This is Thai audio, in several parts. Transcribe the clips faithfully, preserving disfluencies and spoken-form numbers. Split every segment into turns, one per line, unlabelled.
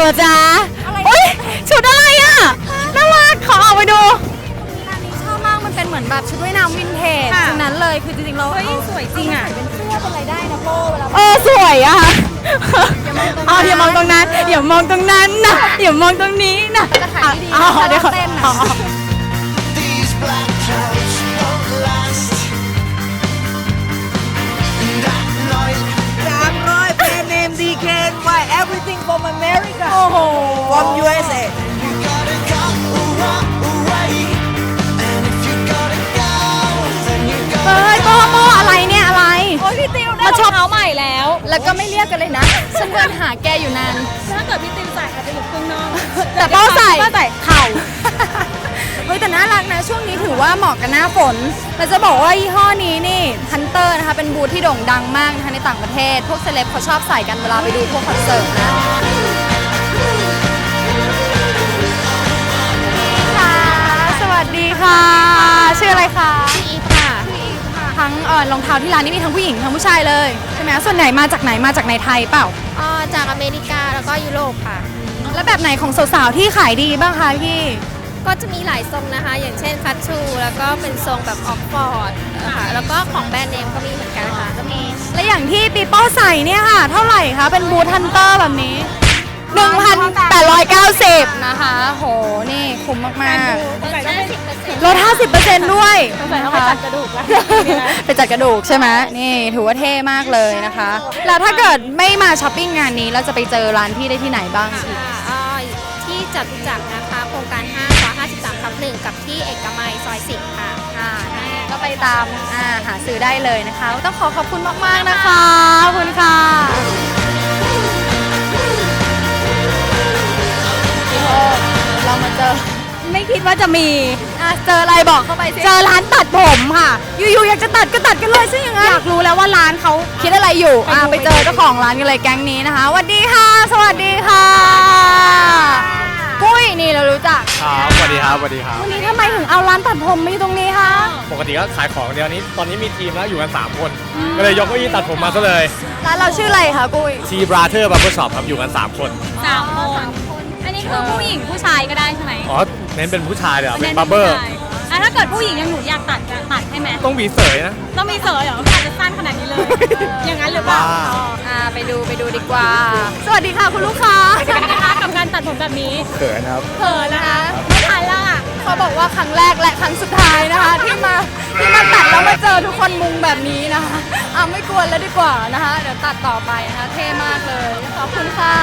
อจ๊ะโอ๊ยชุดอะไรอ่ะน่ารักขอออกไปดู
ร้านนี้ชอบมากมันเป็นเหมือนแบบชุดว่ายน้ำวินเทจฉะนั้นเลยคือจริงๆเราสวยจริงอ่ะเป็นเสื้อเป็นอะไรได้นะโป้เวลา
เออสวยอ่ะอ๋ออย่ามองตรงนั้นอย่ามองตรงนั้นนะอย่ามองตรงนี้นะ
จะขายดีๆเดี๋ยวเต้นนะ
Everything from America
โอ้โห
from ยู เอส เอ
เฮ้ยโปโปอะไรเนี่ยอะไร
โอ้ยพี่ติวได้รองเท้าใหม่แล้วแล้วก็ไม่เรียกกันเลยนะฉันเดินหาแกอยู่นานถ้าเกิดพี่ติวใส่อาจจะอยู่ข้างนอก
แต่โป้ใส่
ใส่เข่าเฮ้ยแต่น่ารักนะช่วงนี้ถือว่าเหมาะกับหน้าฝนเราจะบอกว่ายี่ห้อนี้นี่ฮันเตอร์นะคะเป็นบูทที่โด่งดังมากนะคะในต่างประเทศพวกเซเลบเขาชอบใส่กันเวลาไปดูพวกคอนเสิร์ตนะค่ะสวัสดีค่ะชื่ออะไรคะ
พี่อีฟค่ะ
ทั้งเอ่อรองเท้าที่ร้านนี้มีทั้งผู้หญิงทั้งผู้ชายเลยใช่ไหมส่วนไหนมาจากไหนมาจากในไทยเปล่า
อ๋อจากอเมริกาแล้วก็ยุโรปค่ะ
แล้วแบบไหนของสาวๆที่ขายดีบ้างคะพี่
ก็จะมีหลายทรงนะคะอย่างเช่นคัตชูแล้วก็เป็นทรงแบบออกฟอร์ดค่ะแล้วก็ของแบรนด์เนมก็มีเหมือนกันค่ะจะมี
และอย่างที่ปีโป้ใส่เนี่ยค่ะเท่าไหร่คะเป็นบูทฮันเตอร์แบบนี้ หนึ่งพันแปดร้อยเก้าสิบ นะคะโหนี่คุ้มมากๆลด ห้าสิบเปอร์เซ็นต์ ด้วย
ไปจัดกระดูกแล้ว
ไปจัดกระดูกใช่ไหมนี่ถือว่าเท่มากเลยนะคะแล้วถ้าเกิดไม่มาช้อปปิ้งงานนี้เราจะไปเจอร้านพี่ได้ที่ไหนบ้าง
ที่จตุจักรนะคะโครงการห้าซอยห้าสิบสามทับหนึ่งกับที่เอกมัยซอยสิบค่ะ
อ่าก็ไปตามอ่าหาซื้อได้เลยนะคะต้องขอขอบคุณมากๆนะคะขอบคุณค่ะเรามาเจอไม่คิดว่าจะมีอ่ะเจออะไรบอกเข้าไปสิเจอร้านตัดผมค่ะอยู่ๆอยากจะตัดก็ตัดกันเลยซิอย่างนั้นอยากรู้แล้วว่าร้านเขาคิดอะไรอยู่อ่ะไปเจอเจ้าของร้านกันเลยแก๊งนี้นะคะสวัสดีค่ะสวัสดีค่ะปุ้ยนี่เรารู้จัก
ครับสวัสดีครับสวัสดีครับ
วันนี้ทำไมถึงเอาร้านตัดผมมาอยู่ตรงนี้คะ
ปกติก็ขายของเดียวนี้ตอนนี้มีทีมแล้วอยู่กันสามคนก็เลยยกเก้าอี้ตัดผมมาซะเลย
ร้านเราชื่ออะไรคะปุ้ย
ทีบราเธอร์บับเบิ้ลช็อปครับอยู่กันสามคน
สามคนอันนี้คือผู้หญิงผู้ชายก็ได้ใช่ไหม
อ๋อเน้นเป็นผู้ชายเลยเป็นบับเบิ้ล
ถ้าเกิดผู้หญิงยังหนูอยากตัดจะตัดให้ไหม
ต้องมีเสยนะ
ต้องมีเสยเหรออาจจะสั้นขนาดนี้เลยอย่างนั้นหรือเปล่า
อ่าไปดูไปดูดีกว่าสวัสดีค่ะคุณลูกค้า
สวัสดีนะคะกับการตัดผมแบบนี้
เขินครับ
เขินนะคะไม่ทันแล้วอ่ะ
เขาบอกว่าครั้งแรกและครั้งสุดท้ายนะคะที่มาที่มาตัดแล้วมาเจอทุกคนมุงแบบนี้นะคะอ่ะไม่กวนแล้วดีกว่านะคะเดี๋ยวตัดต่อไปนะคะเท่มากเลยขอบคุณค่ะ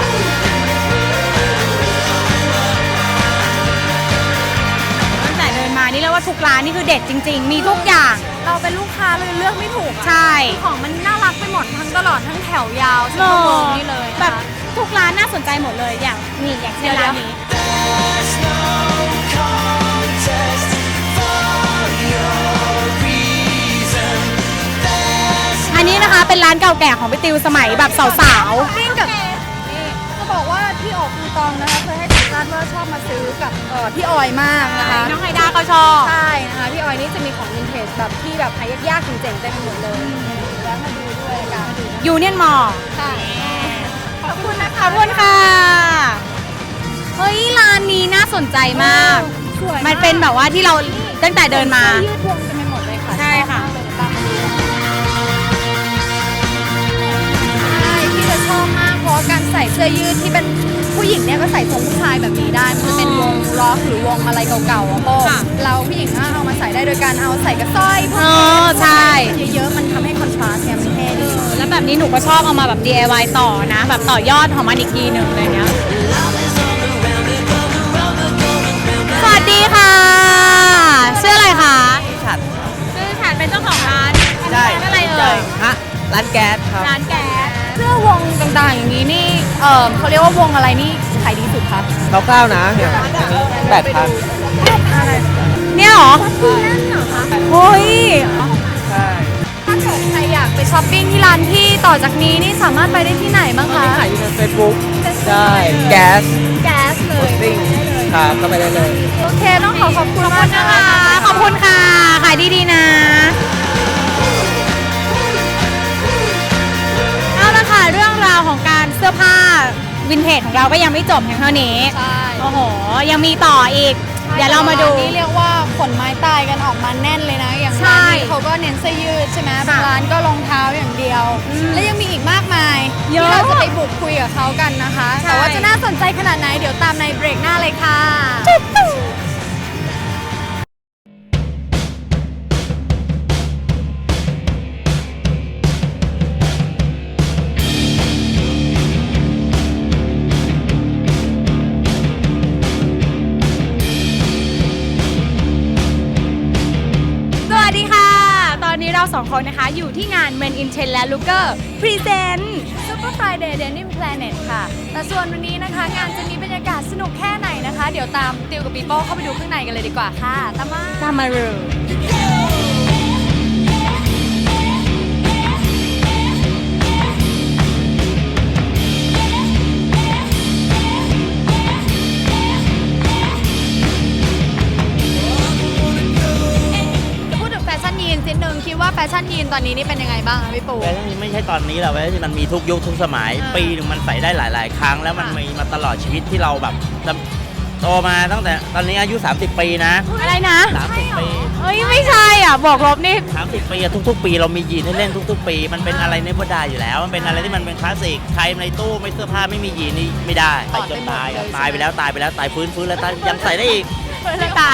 เดินมานี่แล้วว่าทุกร้านนี่คือเด็ดจริงๆมีทุกอย่าง
เราเป็นลูกค้าเลยเลือกไม่ถูก
ใช่
ของมันน่ารักไปหมดทั้งตลอดทั้งแถวยาวเส้นโมงนี่เลย
แบบทุกร้านน่าสนใจหมดเลยอย่างนี่อย่างเช่นร้านนี้อันนี้นะคะเป็นร้านเก่าแก่ของพี่ติวสมัยแบบสาว
ๆวิ่งกับจะบอกว่าพี่ออกคูตองนะคะเคยให้สัมภาษณ์ว่าชอบมาซื้อกับพี่ออยมากนะคะ
น้องไฮด้าก็ชอบ
ใช่นะคะพี่ออยนี่จะมีของวินเทจแบบที่แบบหายากๆเจ๋งๆเต็มไปหมดเลยแล้วมาดูด้วยกัน
ยูเนียนมอลล์
ค่ะขอบคุณนะคะ
ขอบคุณค่ะเฮ้ยร้านนี้น่าสนใจมากมันเป็นแบบว่าที่เราตั้งแต่เดินมา
ยืดวงกันไปหมดเลยค่ะ
ใช่ค่ะ
ที่จะชอบมากเพราะการใส่เสื้อยืดที่เป็นผู้หญิงเนี่ยก็ใส่ทรงผู้ชายแบบนี้ได้มันจะเป็นวงล็อกหรือวงอะไรเก่าๆอ่ะโป้เราผู้หญิงเอามาใส่ได้โดยการเอาใส่กระสร้อยพวกนี้
ใช่
เยอะๆมันทำให้คอนทราสต์เนี่ยมันเท่ดี
แล้วแบบนี้หนูก็ชอบเอามาแบบ ดี ไอ วาย ต่อนะแบบต่อยอดของมันอีกทีหนึ่งอะไรเงี้ยสวัสดีค่ะชื่ออะไรคะ
ฉัด
ชื่อฉัดเป็นเจ้าของร้าน
ใช่
อะไรเอ่ย
ฮะร้านแก๊สครับ
ร้านแก๊ส
เสื้อวงต่างๆอย่างนี้นี่เออเขาเรียกว่าวงอะไรนี่ขายดีสุดครับ
คร่าวๆนะเนี่ยแปดพัน
เนี่ยหรอ
นั่นเหรอคะ
เฮ้ย
ใช่
ถ้าเกิดใครอยากไปช้อปปิ้งที่ร้านที่ต่อจากนี้นี่สามารถไปได้ที่ไหนบ้างคะ
ขายอยู่ในเฟซบุ๊กใช่แก๊ส
แก๊สเลย
ครับเข้าไปได้เลย
โอเคต้องขอขอบคุณมากนะคะ
ขอบคุณค่ะขายดีๆนะเอาละค่ะเรื่องราวของการเสื้อผ้าวิวินเทจของเราก็ยังไม่จบเพียงเท่านี้
ใช่
โอ้โห ยังมีต่ออีก เดี๋ยวเรามาดู
นี่เรียกว่าขนไม้ตายกันออกมาแน่นเลยนะ อย่าง
ใช่
ร้านนี้เขาก็เน้นเสื้อยืดใช่ไหมบางร้านก็รองเท้าอย่างเดียว และยังมีอีกมากมาย
เยอะ
ที่เราจะไปบุกคุยกับเขากันนะคะ
ใช่
แต่ว่าจะน่าสนใจขนาดไหนเดี๋ยวตามในเบรกหน้าเลยค่ะ
สวัสดีค่ะ ตอนนี้เราสองคนนะคะอยู่ที่งาน Men in Trend และ Looker Present
Super Friday Denim Planet ค่ะ แต่ส่วนวันนี้นะคะ งานจะมีบรรยากาศสนุกแค่ไหนนะคะ เดี๋ยวตามติวกับปีโป้เข้าไปดูข้างในกันเลยดีกว่าค่ะ ตามมา
ตามมารู
จะพูดถึงแฟชั่นยีนนิดนึงคิดว่าแฟชั่นยีนตอนนี้นี่เป็นยังไงบ้างคะพี่ปู
แฟชั่นนี้ไม่ใช่ตอนนี้หรอกแฟชั่นมันมีทุกยุคทุกสมัย
อ่า
ปีหนึงมันใส่ได้หลาย ๆ ครั้ง แล้วมัน
ค่ะ
มีมาตลอดชีวิตที่เราแบบโตมาตั้งแต่ตอนนี้อายุ สามสิบ ปีนะ
อะไรนะ
สามสิบ ปี
เฮ้ย ไม่ใช่อ่ะ บอกลบนี่
สามสิบ ปีอะทุก ๆ ปีเรามียีนให้เล่นทุก ๆ ปี มันเป็นอะไรในบดได้อยู่แล้ว มันเป็นอะไรที่มันเป็นคลาสสิกใครในตู้ไม่เสื้อผ้าไม่มียีนนี่ไม่ได้ใส่จนตายอะตายไปแล้วตายไปแล้วตายฟื้นฟื้นแล้วตายยังใส่ได้อีก
ไม่ตาย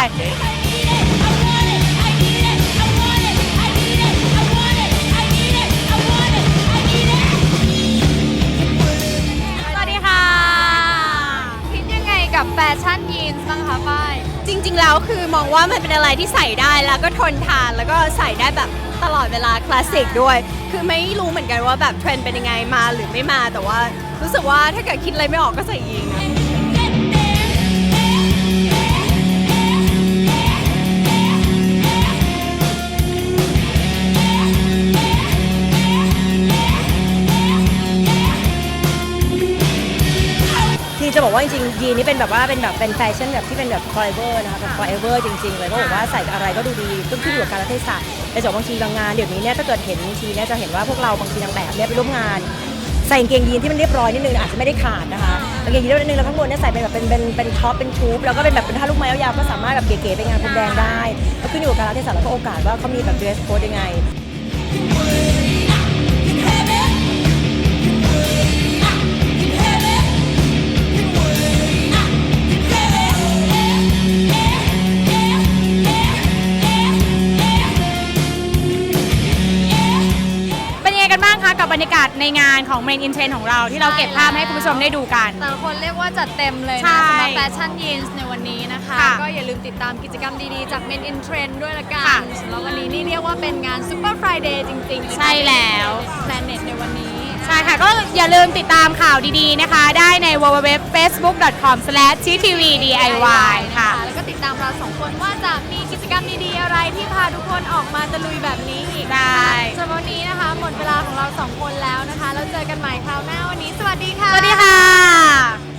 สวัสดีค่ะ
คิดยังไงกับแฟชั่นยีนส์บ้างคะฝ้าย
จริงๆแล้วคือมองว่ามันเป็นอะไรที่ใส่ได้แล้วก็ทนทานแล้วก็ใส่ได้แบบตลอดเวลาคลาสสิกด้วย คือไม่รู้เหมือนกันว่าแบบเทรนด์เป็นยังไงมาหรือไม่มา แต่ว่ารู้สึกว่าถ้าเกิดคิดอะไรไม่ออกก็ใส่ยีนนะ
คือจะบอกว่าจริงๆยีนนี่เป็นแบบว่าเป็นแบบเป็นแฟชั่นแบบที่เป็นแบบ forever นะคะแบบ forever จริงๆเลยเพราะบอกว่าใส่อะไรก็ดูดีต้องขึ้นอยู่กับกาลเทศะแต่จากบางทีบางงานเดี๋ยวนี้เนี่ยถ้าเกิดเห็นบางทีเนี่ยจะเห็นว่าพวกเราบางทีนางแบบเนี่ยไปร่วมงาน ใส่กางเกงยีนที่มันเรียบร้อยนิดนึงอาจจะไม่ได้ขาดนะคะกางเกงยีนเรียบร้อยนิดนึงแล้วข้างบนเนี่ยใส่เป็นแบบเป็นเป็นเป็นท็อปเป็นทูบแล้วก็เป็นแบบเป็นท่าลูกไม้ยาวๆก็สามารถแบบเก๋ๆไปงานพรมแดงได้ก็ขึ้นอยู่กับกาลเทศะแล้วก็โอกาสว่าเขามีแบบ dress code ยังไง
เป็นยังไงกันบ้างคะกับบรรยากาศในงานของ Men in Trend ของเราที่เราเก็บภาพให้คุณผู้ชมได้ดูกัน
แต่ละคนเรียกว่าจัดเต็มเลย
ใช่
นะสำหรับแฟชั่นยีนส์ในวันนี้นะคะ
ค่ะ
ก็อย่าลืมติดตามกิจกรรมดีๆ จาก Men in Trend ด้วยละกั
ค่ะ
นสำหรับวันนี้นี่เรียกว่าเป็นงาน Super Friday จริงๆเลยนะ
ใช่แล้ว
Planet ในวันนี้
ใช่ค่ะ ก็อย่าลืมติดตามข่าวดีๆนะคะ ได้ใน ดับเบิลยู ดับเบิลยู ดับเบิลยู ดอท เฟซบุ๊ก ดอท คอม สแลช ที ที วี ดี ไอ วาย ค่ะ
แล้วก็ติดตามเราสองคนว่าจะมีกิจกรรมดีๆอะไรที่พาทุกคนออกมาตะลุยแบบนี้อีก
ได้
สำหรับวันนี้นะคะ หมดเวลาของเราสองคนแล้วนะคะ แล้วเจอกันใหม่คราวหน้าวันนี้ สวัสดีค่ะ
สวัสดีค่ะ